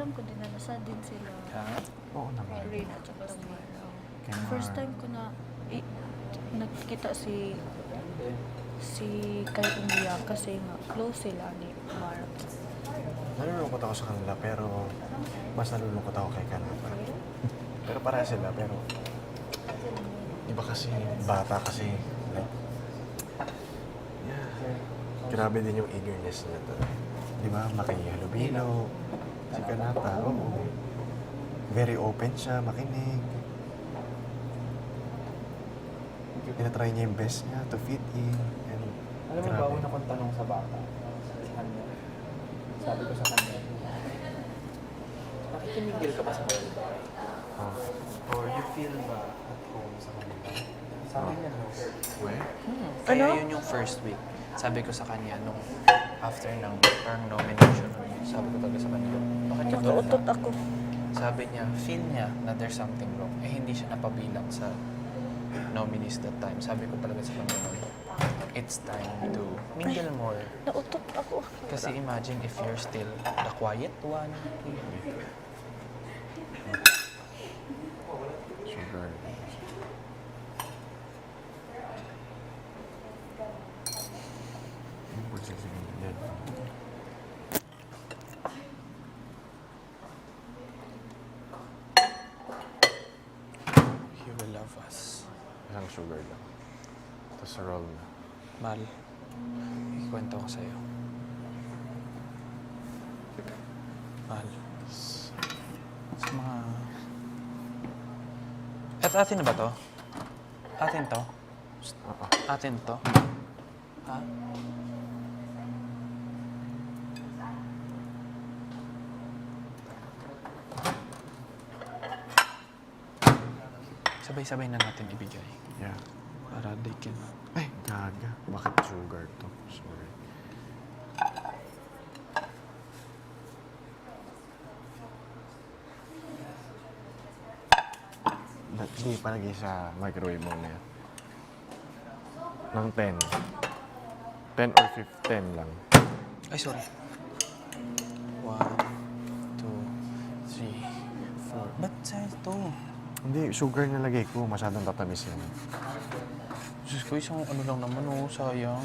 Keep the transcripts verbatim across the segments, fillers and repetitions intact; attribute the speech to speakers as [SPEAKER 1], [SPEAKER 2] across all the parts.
[SPEAKER 1] alam ko din na nasa din sila.
[SPEAKER 2] Ha?
[SPEAKER 3] Oo naman.
[SPEAKER 1] Rain at saka Tamara.
[SPEAKER 3] Kay
[SPEAKER 1] First
[SPEAKER 3] Mar.
[SPEAKER 1] time ko na i- nakita si si kay Umiya kasi nga close sila ni Mar.
[SPEAKER 3] Nalulungkot ako sa kanila, pero mas nalulungkot ako kay Kanata. Pero para sila, pero iba kasi, bata kasi. Like, yeah. Grabe din yung eagerness niya to. Di ba? Makihalubilo. Si Kanata, oo. Very open siya, makinig. Tinatry niya yung best niya to fit in. And,
[SPEAKER 2] Alam mo ba,
[SPEAKER 3] grabe.
[SPEAKER 2] una kong tanong sa bata, sa kanya, sabi ko sa kanya, nakikinigil ka ba sa kanila?
[SPEAKER 3] Oh.
[SPEAKER 2] Or you feel ba at home sa kanila? Sabi niya, no.
[SPEAKER 3] Weh?
[SPEAKER 2] Hmm. Kaya
[SPEAKER 1] Ano?
[SPEAKER 2] yun yung first week. Sabi ko sa kanya, nung after ng parang nomination, sabi ko talaga sa kanya, bakit ka tulad
[SPEAKER 1] Nakautot
[SPEAKER 2] na?
[SPEAKER 1] ako.
[SPEAKER 2] Sabi niya, feel niya na there's something wrong. Eh, hindi siya napabilang sa nominees that time. Sabi ko talaga sa kanya, it's time to mingle more.
[SPEAKER 1] Nautot ako.
[SPEAKER 2] Kasi imagine if you're still the quiet one.
[SPEAKER 3] Sugar. Ano ba siya sige? Yan.
[SPEAKER 2] He will love us.
[SPEAKER 3] Isang sugar lang. Tapos roll na.
[SPEAKER 2] Mal, ikwento ko sa'yo. Mal, sa mga... At atin na ba to? Atin to?
[SPEAKER 3] Oo.
[SPEAKER 2] Atin to? Ha? Sabay-sabay na natin ibigay.
[SPEAKER 3] Yeah.
[SPEAKER 2] Para they can...
[SPEAKER 3] Ay, gaga. Bakit sugar to? Sorry. Na- Hindi palagay sa microwave muna yan. Ng ten. ten or fifteen lang.
[SPEAKER 2] Ay, sorry. One, two, three, four. Ba't size to?
[SPEAKER 3] Hindi, sugar nilagay ko. Masyadong tatamis yan.
[SPEAKER 2] Diyos ko, isang ano lang naman, oh, sayang.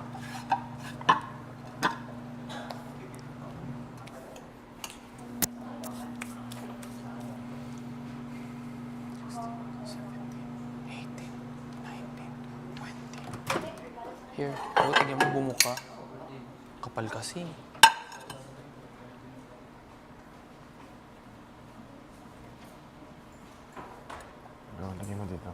[SPEAKER 2] eighteen, nineteen, twenty. Here, oh, tignan mo, bumuka. Kapal kasi.
[SPEAKER 3] Go, lagay mo dito.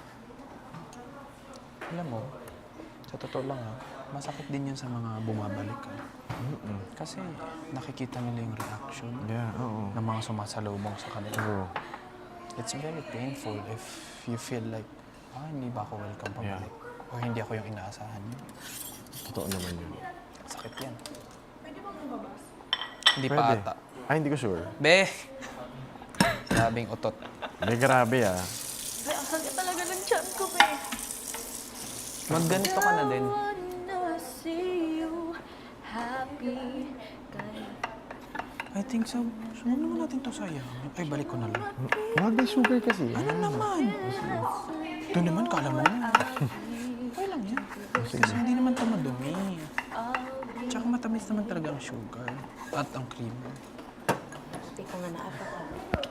[SPEAKER 2] Alam mo, sa totoo lang ha, masakit din yun sa mga bumabalik ha.
[SPEAKER 3] Mm-mm.
[SPEAKER 2] Kasi nakikita nila yung reaction
[SPEAKER 3] Yeah, oo.
[SPEAKER 2] ng mga sumasalubong sa kanila.
[SPEAKER 3] True.
[SPEAKER 2] It's very painful if you feel like, ah, hindi ba ako welcome pabalik? O hindi ako yung inaasahan niyo.
[SPEAKER 3] Totoo naman yun.
[SPEAKER 2] Sakit yan. Hindi pa
[SPEAKER 3] Pwede.
[SPEAKER 2] ata.
[SPEAKER 3] Ay, hindi ko sure.
[SPEAKER 2] Be! Grabing utot.
[SPEAKER 3] Hindi, grabe ah.
[SPEAKER 1] Ay, ang sakit talaga ng tiyan ko, be.
[SPEAKER 2] Magganito ka na din.
[SPEAKER 1] I wanna see you happy. Kaya
[SPEAKER 2] I think so. So, ano naman natin to sayang? Ay, balik ko na lang.
[SPEAKER 3] Wag may sugar kasi.
[SPEAKER 2] Ano naman? Ito naman, kala mo na. Okay lang yan. Kasi hindi naman ito madumi. Tsaka matamis naman talaga ang sugar at ang cream.
[SPEAKER 4] Hindi ko nga naapa ka.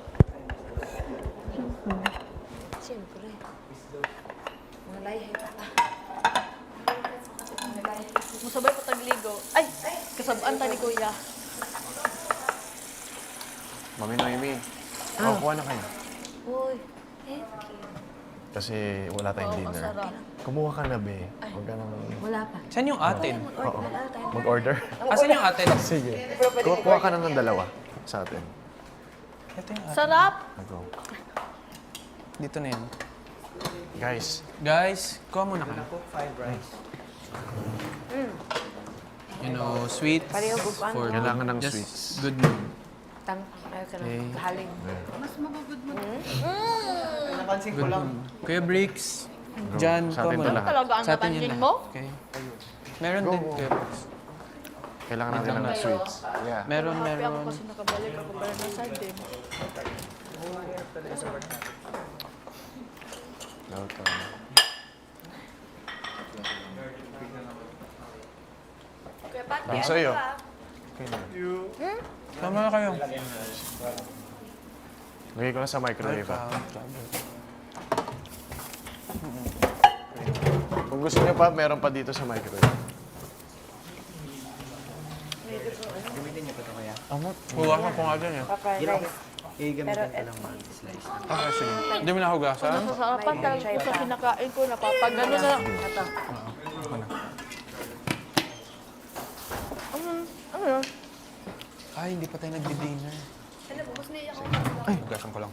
[SPEAKER 4] Siyempre. Mga layhay pa pa.
[SPEAKER 1] musabay ko tagligo. Ay, kasabaan ta ni Kuya.
[SPEAKER 3] Mami Noemi, oh. kuha na kayo.
[SPEAKER 4] Uy, thank you.
[SPEAKER 3] Kasi wala tayong
[SPEAKER 1] Oo,
[SPEAKER 3] dinner.
[SPEAKER 1] masarap.
[SPEAKER 3] Kumuha ka na, be. Huwag ka nang...
[SPEAKER 4] Wala pa.
[SPEAKER 2] Saan yung atin?
[SPEAKER 3] Oo. Mag-order?
[SPEAKER 2] Asan yung atin?
[SPEAKER 3] Sige. Kuha, kuha ka na ng dalawa sa atin.
[SPEAKER 2] Ito yung atin.
[SPEAKER 1] Sarap!
[SPEAKER 3] Go.
[SPEAKER 2] Dito na yun.
[SPEAKER 3] Guys,
[SPEAKER 2] Guys, kuha muna ka. You know, sweets
[SPEAKER 4] Pareho po pa,
[SPEAKER 2] for
[SPEAKER 3] Kailangan ng
[SPEAKER 2] just
[SPEAKER 3] sweets.
[SPEAKER 2] good mood.
[SPEAKER 4] Tang, ayaw ka na.
[SPEAKER 2] Okay.
[SPEAKER 4] Kahaling.
[SPEAKER 2] Good mood. Kuya Bricks, Jan,
[SPEAKER 3] Sa
[SPEAKER 2] kuha
[SPEAKER 3] atin
[SPEAKER 2] mo
[SPEAKER 3] to
[SPEAKER 2] na.
[SPEAKER 3] lahat.
[SPEAKER 1] Talaga ang
[SPEAKER 2] Sa atin yun
[SPEAKER 1] natanjing
[SPEAKER 2] lahat.
[SPEAKER 1] mo?
[SPEAKER 2] Okay. Meron
[SPEAKER 3] Go,
[SPEAKER 2] din,
[SPEAKER 3] go.
[SPEAKER 2] Kuya Bricks.
[SPEAKER 3] Kailangan natin ng sweets. Yeah.
[SPEAKER 2] Meron,
[SPEAKER 1] Happy ako
[SPEAKER 2] meron.
[SPEAKER 1] kasi nakabalik ako para na sa din.
[SPEAKER 3] Nauto.
[SPEAKER 1] Kuya Pat,
[SPEAKER 3] Ang sa'yo. Okay na.
[SPEAKER 2] Tama na kayo.
[SPEAKER 3] Lagay ko na sa microwave. ah. Kung gusto niyo pa, meron pa dito sa microwave.
[SPEAKER 2] Ano? Hugasan ko nga dyan eh.
[SPEAKER 4] Pa-fried rice.
[SPEAKER 5] Igamitin ko lang mga slice.
[SPEAKER 2] Okay, sige. Hindi mo nahugasan?
[SPEAKER 1] nasasarapan talaga ko sa kinakain ko. Napapagano na.
[SPEAKER 4] Ito.
[SPEAKER 2] Ako na.
[SPEAKER 1] Ano? Ano yun?
[SPEAKER 2] Ay, hindi pa tayo nagdi-dinner. Ay, hugasan ko lang.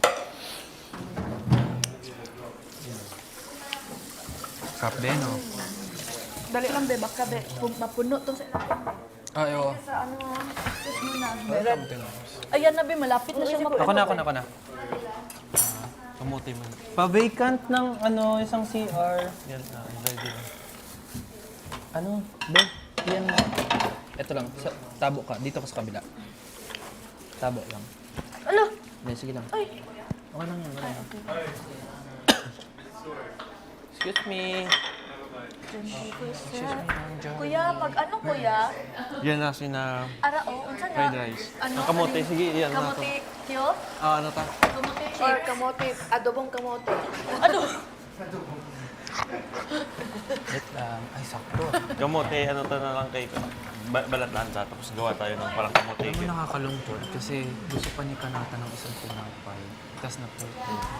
[SPEAKER 2] Cup din, oh.
[SPEAKER 1] Dali lang, be. Baka, be. Pum- Mapuno to sa
[SPEAKER 2] Ay, oo.
[SPEAKER 1] sa ano. Sis mo na.
[SPEAKER 2] Welcome to
[SPEAKER 1] Ayan na, be. Malapit na siya mapuno.
[SPEAKER 2] Ako na, ako na, ako na.
[SPEAKER 5] Kamuti man.
[SPEAKER 2] Pa-vacant ng ano, isang C R.
[SPEAKER 5] Yan na, ready na.
[SPEAKER 2] Ano? Be, yan mo. Ito lang, sa, tabo ka. Dito ka sa kabila. Tabo lang.
[SPEAKER 1] Ala!
[SPEAKER 2] Hindi, sige lang.
[SPEAKER 1] Ay!
[SPEAKER 2] Okay lang yan, okay lang. Excuse me.
[SPEAKER 1] Kuya, pag ano, kuya?
[SPEAKER 5] Yan na, sina
[SPEAKER 1] Ara, oh. Unsa na?
[SPEAKER 5] fried rice.
[SPEAKER 1] Ano?
[SPEAKER 5] Ang kamote, sige, yan na to.
[SPEAKER 1] Kamote cute?
[SPEAKER 5] Ah, ano ta?
[SPEAKER 1] Kamote
[SPEAKER 4] Or
[SPEAKER 1] chips?
[SPEAKER 4] kamote, adobong kamote.
[SPEAKER 1] Ano?
[SPEAKER 2] Wait lang. Ay, sakto.
[SPEAKER 5] Kamote, ano ta na lang kay ba- balat lang ta, tapos gawa tayo ng parang kamote.
[SPEAKER 2] Alam mo nakakalungkot kasi gusto pa ni Kanata ng isang tinapay. Tapos na po.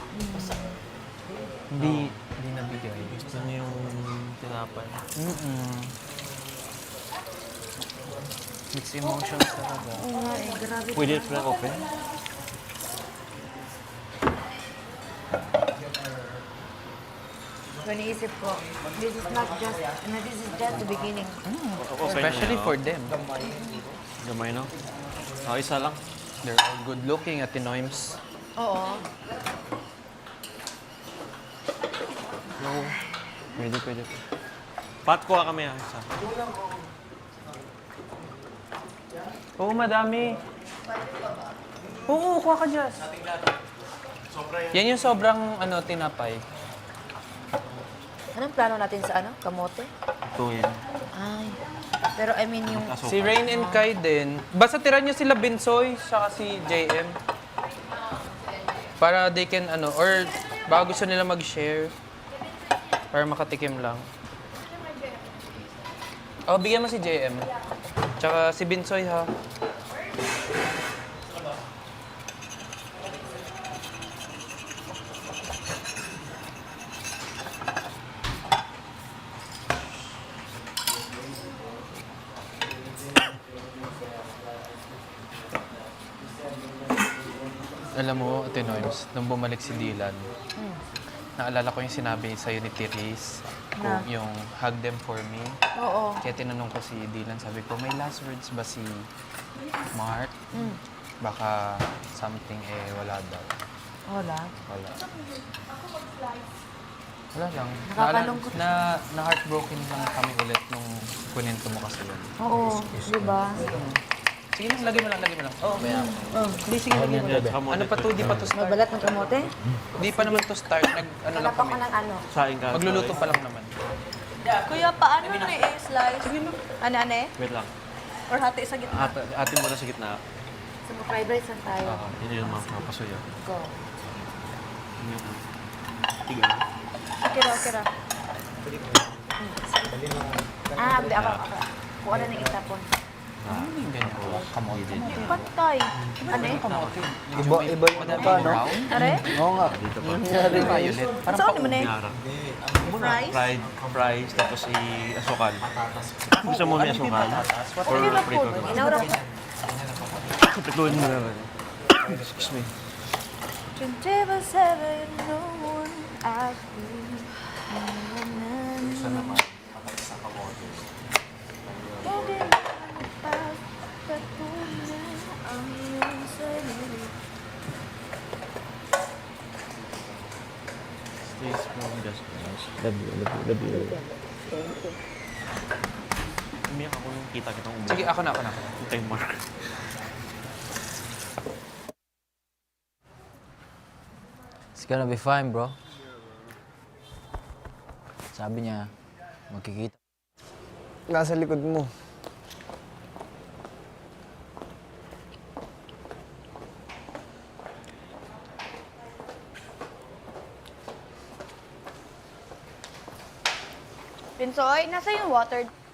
[SPEAKER 2] Hindi, hindi nabigay.
[SPEAKER 5] Gusto niyo yung tinapay.
[SPEAKER 2] Mm-mm. Mixed emotions talaga.
[SPEAKER 4] Oo nga eh, grabe.
[SPEAKER 5] Pwede ito na open?
[SPEAKER 4] Paniisip ko, this is not just, no, this is just the beginning.
[SPEAKER 2] Especially for them.
[SPEAKER 5] Gamay, no? Ah, isa lang.
[SPEAKER 2] They're all good looking at Tinoims.
[SPEAKER 4] Oo.
[SPEAKER 5] No. Pwede, pwede. Pat, kuha kami ah, isa.
[SPEAKER 2] Oo, madami. Oo, kuha ka, Jess. Yan yung sobrang ano, tinapay.
[SPEAKER 4] Anong plano natin sa ano? Kamote?
[SPEAKER 5] Ito yan.
[SPEAKER 4] Ay. Pero I mean yung...
[SPEAKER 2] Si Rain and Kai din. Basta tira niyo sila Binsoy, saka si J M. Para they can ano, or baka gusto nila mag-share. Para makatikim lang. Oh, bigyan mo si J M. Tsaka si Binsoy ha. Alam mo, Ate Noims, nung bumalik si Dylan, naalala ko yung sinabi sa'yo ni Therese, kung yung hug them for me.
[SPEAKER 4] Oo.
[SPEAKER 2] Kaya tinanong ko si Dylan, sabi ko, may last words ba si Mark? Baka something eh wala daw.
[SPEAKER 4] Wala.
[SPEAKER 2] Wala. Wala lang.
[SPEAKER 4] Nakakalungkot.
[SPEAKER 2] Na, na heartbroken lang kami ulit nung kunento mo kasi yun.
[SPEAKER 4] Oo, di ba?
[SPEAKER 2] Sige lang, lagay mo lang, lagay mo lang. Oo, kaya. Hindi, sige, lagay mo lang. Ano pa to? Di pa to start.
[SPEAKER 4] Magbalat ng kamote?
[SPEAKER 2] Di pa naman to start. Nag, ano lang
[SPEAKER 4] Hanap ako
[SPEAKER 2] kami.
[SPEAKER 4] ng ano.
[SPEAKER 5] Saing ka.
[SPEAKER 2] Magluluto pa lang naman.
[SPEAKER 1] Kuya, paano ni i-slice? Ano, ano eh?
[SPEAKER 5] Wait lang.
[SPEAKER 1] Or hati sa gitna?
[SPEAKER 5] Ate, ate mo na sa gitna.
[SPEAKER 4] Sa fried rice lang tayo.
[SPEAKER 5] Ah, yun yung mga papasuyo.
[SPEAKER 4] Go.
[SPEAKER 5] Tiga.
[SPEAKER 1] Okay ra, okay ra.
[SPEAKER 4] Ah, hindi ako. ako. Kuha na ng itapon.
[SPEAKER 2] Ano yung ganyan? Kamote.
[SPEAKER 1] Pantay.
[SPEAKER 4] Ano eh?
[SPEAKER 2] Kamote.
[SPEAKER 6] Iba, iba yung ano pa, no?
[SPEAKER 1] Are?
[SPEAKER 6] Oo nga.
[SPEAKER 2] Violet.
[SPEAKER 1] Parang saan naman eh?
[SPEAKER 5] Nyara.
[SPEAKER 1] Fries?
[SPEAKER 5] Fried, fries, tapos i-asukal. Gusto mo may asukal? Or prito na?
[SPEAKER 4] Inaura ko.
[SPEAKER 5] Pituin mo na rin. Excuse me.
[SPEAKER 1] twenty-four seven, no one I feel.
[SPEAKER 3] Gusto naman, patay sa kamote.
[SPEAKER 5] Stay strong, just nice.
[SPEAKER 6] Love you, love you, love you.
[SPEAKER 5] Umiyak ako nung kita kitang umiyak.
[SPEAKER 2] Sige, ako na, ako na. ako na.
[SPEAKER 5] Kay Mark.
[SPEAKER 6] It's gonna be fine, bro. Sabi niya, magkikita.
[SPEAKER 7] Nasa likod mo.
[SPEAKER 8] Pinsoy, nasa yung water?